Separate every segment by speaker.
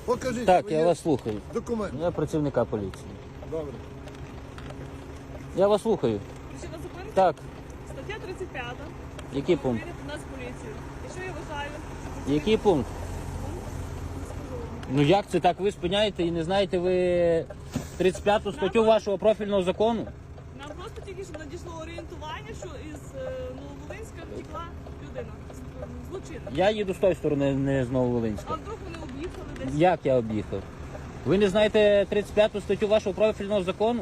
Speaker 1: Покажіть
Speaker 2: Так,
Speaker 1: свої
Speaker 2: я вас слухаю.
Speaker 1: документи.
Speaker 2: Я працівника поліції.
Speaker 1: Добре.
Speaker 2: Я вас слухаю.
Speaker 3: Причина зупинки?
Speaker 2: Так,
Speaker 3: Стаття 35.
Speaker 2: який пункт?
Speaker 3: Перевірити нас поліцію. Якщо я вважаю, що
Speaker 2: Який пункт? Ну як це так? Ви спиняєте і не знаєте ви 35 статтю вашого профільного закону?
Speaker 3: нам просто тільки що надійшло орієнтування, що із Нововолинська втекла людина. Злочинна.
Speaker 2: Я їду з тої сторони, не з
Speaker 3: А
Speaker 2: Нововолинська.
Speaker 3: вдруг вони об'їхали десь?
Speaker 2: Як я об'їхав? Ви не знаєте 35 статтю вашого профільного закону?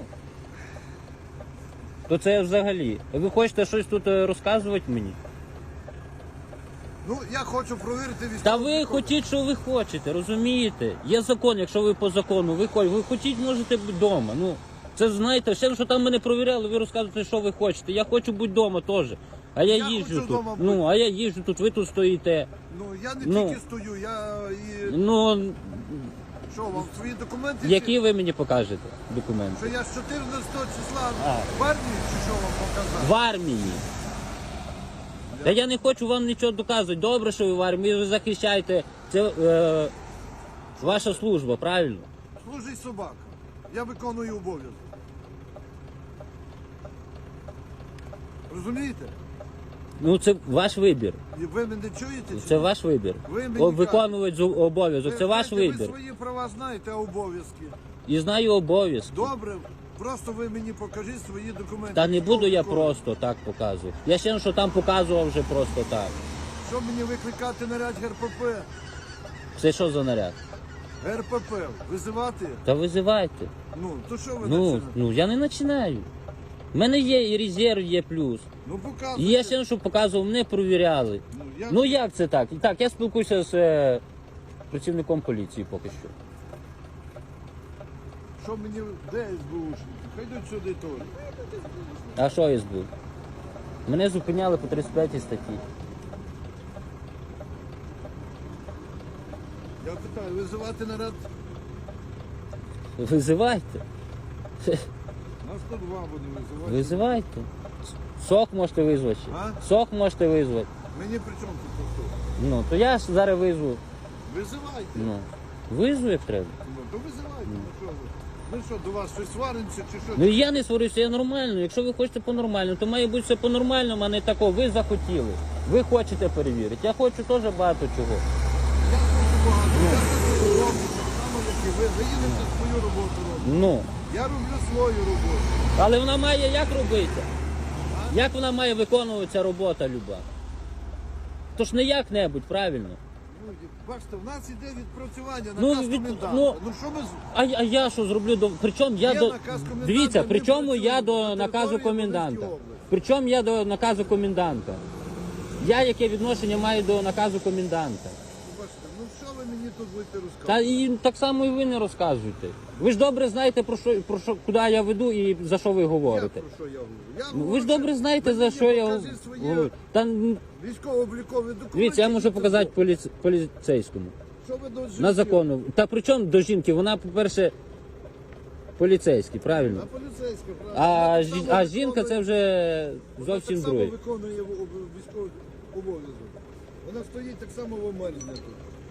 Speaker 2: То це взагалі. Ви хочете щось тут розказувати мені?
Speaker 1: Ну, я хочу провірити військову.
Speaker 2: Та ви хотіть, що ви хочете, розумієте? Є закон, якщо ви по закону, ви хотіть, можете бути вдома. Ну, це знаєте, все, що там мене провіряли, ви розказуєте, що ви хочете. Я хочу бути вдома теж. А я
Speaker 1: Я
Speaker 2: їжджу
Speaker 1: хочу
Speaker 2: тут.
Speaker 1: вдома бути.
Speaker 2: Ну, а я їжджу тут, ви тут стоїте.
Speaker 1: Ну, я не
Speaker 2: Ну.
Speaker 1: тільки стою, я і...
Speaker 2: Ну,
Speaker 1: Що, вам свої документи?
Speaker 2: які ви мені покажете
Speaker 1: Що
Speaker 2: документи?
Speaker 1: я з 14 числа
Speaker 2: А.
Speaker 1: в армії, чи що вам показати?
Speaker 2: В армії. Та я не хочу вам нічого доказувати. Добре, що ви в армії, ви захищаєте. Це ваша служба, правильно?
Speaker 1: Служить собака. Я виконую обов'язок. Розумієте?
Speaker 2: Ну, це ваш вибір.
Speaker 1: І ви мене чуєте? чи
Speaker 2: Це
Speaker 1: ні?
Speaker 2: ваш вибір.
Speaker 1: Ви мені
Speaker 2: Виконувати обов'язок. Це ваш
Speaker 1: знаєте,
Speaker 2: вибір.
Speaker 1: Ви свої права знаєте, а обов'язки.
Speaker 2: І знаю обов'язки.
Speaker 1: Добре, просто ви мені покажіть свої документи.
Speaker 2: Та не буду я
Speaker 1: Військовий код.
Speaker 2: просто так показувати. Я ще що там показував вже просто так.
Speaker 1: Що мені викликати наряд ГРПП?
Speaker 2: Це що за наряд?
Speaker 1: ГРПП, визивати?
Speaker 2: Та визивайте.
Speaker 1: Ну, то що ви
Speaker 2: Ну,
Speaker 1: починаєте?
Speaker 2: я не починаю. У мене є і резерв, є плюс.
Speaker 1: Ну,
Speaker 2: І
Speaker 1: показуйте.
Speaker 2: я ще що показував, мене провіряли.
Speaker 1: я...
Speaker 2: Ну як це так? Так, я спілкуюся з працівником поліції поки що.
Speaker 1: Що мені, де СБУшники? Хай йдуть сюди теж.
Speaker 2: А що я збив? Мене зупиняли по 35 статті.
Speaker 1: Я питаю, визивати наряд?
Speaker 2: Визивайте.
Speaker 1: На 102 буде визивати.
Speaker 2: Визивайте. Сок можете визвати. ще.
Speaker 1: А?
Speaker 2: Сок можете визвати.
Speaker 1: Мені при чому тут хто?
Speaker 2: Ну, то я ж зараз визву.
Speaker 1: Визивайте.
Speaker 2: Ну, визву як треба.
Speaker 1: Ну, то визивайте. Ну, що ви? Ми що, до вас щось сваримося чи що?
Speaker 2: Ну я не сварюся, я нормально. Якщо ви хочете по-нормальному, то має бути все по-нормальному, а не тако. Ви захотіли. Ви хочете перевірити. Я хочу теж багато чого.
Speaker 1: Я хочу багато. Я хочу роблю, так само, як і ви. Ви їдете свою роботу робите.
Speaker 2: Ну.
Speaker 1: Я роблю свою роботу.
Speaker 2: Але вона має як робити? Як вона має виконуватися робота люба? То ж не як-небудь, правильно?
Speaker 1: Ну, бачите, в нас іде відпрацювання,
Speaker 2: Ну,
Speaker 1: наказ
Speaker 2: від-
Speaker 1: коменданта.
Speaker 2: ну,
Speaker 1: Ну, що ми...
Speaker 2: А я що зроблю до. Причому я
Speaker 1: Є
Speaker 2: до.
Speaker 1: наказ коменданта,
Speaker 2: Дивіться,
Speaker 1: ми
Speaker 2: причому я
Speaker 1: працюємо
Speaker 2: до
Speaker 1: на
Speaker 2: наказу
Speaker 1: території
Speaker 2: коменданта.
Speaker 1: Волинської області.
Speaker 2: Причому я до наказу коменданта. Я яке відношення маю до наказу коменданта?
Speaker 1: Бачите, ну що ви мені тут будете розказувати?
Speaker 2: Та і так само і ви не розказуєте. Ви ж добре знаєте про що, куди я веду і за що ви
Speaker 1: Я
Speaker 2: говорите.
Speaker 1: про що я говорю? Я
Speaker 2: Ну, ви
Speaker 1: говорю,
Speaker 2: ж добре
Speaker 1: що
Speaker 2: знаєте,
Speaker 1: ви
Speaker 2: за
Speaker 1: мені
Speaker 2: що я
Speaker 1: покажіть свої
Speaker 2: говорю. Та
Speaker 1: військово-облікові документи.
Speaker 2: дивіться, я можу
Speaker 1: і
Speaker 2: показати поліцейському.
Speaker 1: Що ви до жінки?
Speaker 2: На закону. Та при чому до жінки? Вона, по-перше, поліцейський, правильно?
Speaker 1: На поліцейська, правда.
Speaker 2: А,
Speaker 1: Вона так само
Speaker 2: а жінка це
Speaker 1: виконує-
Speaker 2: вже
Speaker 1: вона
Speaker 2: зовсім
Speaker 1: так само
Speaker 2: друге.
Speaker 1: виконує військовий обов'язок. Вона стоїть так само в Омельні тут.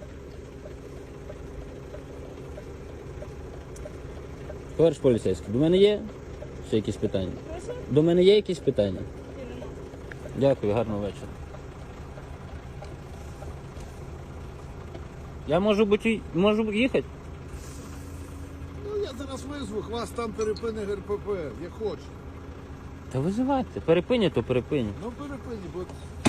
Speaker 2: Товариш поліцейський, до мене є ще якісь питання?
Speaker 3: Прошу?
Speaker 2: До мене є якісь питання?
Speaker 3: Ні, нема.
Speaker 2: Дякую, гарного вечора. Я можу їхати?
Speaker 1: Ну я зараз визву, вас там перепине ГРПП, як хоче.
Speaker 2: Та визивайте. Перепині, то перепині.
Speaker 1: Ну перепині, бо